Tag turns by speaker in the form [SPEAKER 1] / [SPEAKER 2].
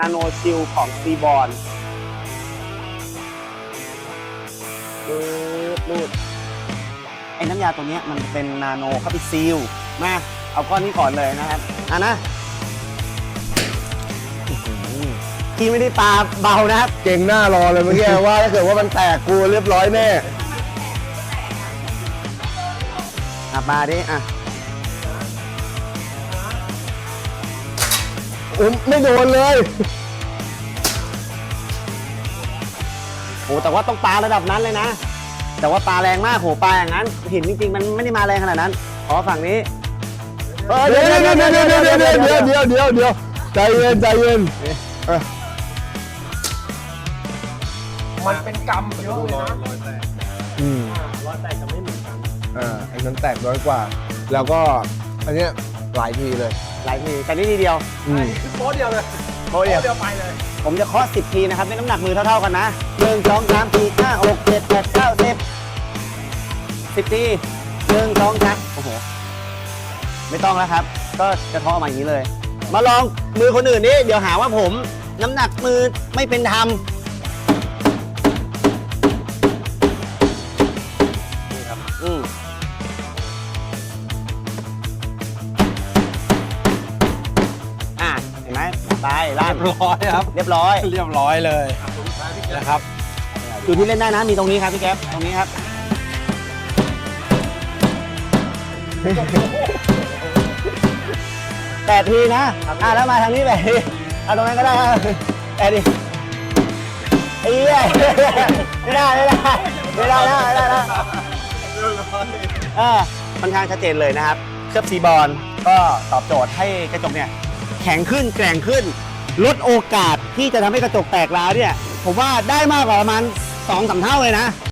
[SPEAKER 1] นาโนชิลของซีบอลรูดไอ้น้ำยาตัวนี้มันเป็นนาโนเข้าไปซีลมาเอาก้อนนี้ก่อนเลยนะครับนะที่ไม่ได้ปลาเบานะครับ
[SPEAKER 2] เก่งหน้ารอเลยเมื่อกี้ ว่าถ้าเกิดว่ามันแตกกูเรียบร้อยแน่
[SPEAKER 1] มาดิ
[SPEAKER 2] ไม่โดนเลย
[SPEAKER 1] โอ้แต่ว่าต้องปลาระดับนั้นเลยนะแต่ว่าปลาแรงมากโหปลาอย่างนั้นหินจริงๆมันไม่ได้มาแรงขนาดนั้นฝั่งนี้
[SPEAKER 2] เดี๋ยวใจเย็น
[SPEAKER 3] มันเป็นกรรมเยอะเลยนะ
[SPEAKER 1] ร้อยแตกจะไม่เหมือนกัน
[SPEAKER 2] อันนั้นแตกน้อยกว่าแล้วก็อันเนี้ยหลายทีเลย
[SPEAKER 1] แต่นี่ทีเดียว
[SPEAKER 3] คือโป๊ะเดียวเลย
[SPEAKER 1] โป๊ะเดียวไปเลยผมจะเคาะ10 ทีนะครับในน้ำหนักมือเท่าๆกันนะ1 2 3 4 5 6 7 8 9 10 ที1 2 3โอ้โหไม่ต้องแล้วครับก็จะเคาะมาอย่างนี้เลยมาลองมือคนอื่นนี่เดี๋ยวหาว่าผมน้ำหนักมือไม่เป็นธรรมนี่ครับเห็นไหมไปล่าง
[SPEAKER 3] เรียบร้อยครับ
[SPEAKER 1] เรียบร้อย
[SPEAKER 3] เลยนะครับ
[SPEAKER 1] จุดที่เล่นได้นะมีตรงนี้ครับพี่แก๊ปตรงนี้ครับ8 ทีนะแล้วมาทางนี้แบบเอาตรงนั้นก็ได้8 ทีไอ้เหี้ยไม่ได้ค่อนข้างชัดเจนเลยนะครับเคลือบซีบอลก็ตอบโจทย์ให้กระจกเนี่ยแข็งขึ้นแกร่งขึ้นลดโอกาสที่จะทำให้กระจกแตกร้าวเนี่ยผมว่าได้มากกว่าประมาณ 2-3 เท่าเลยนะ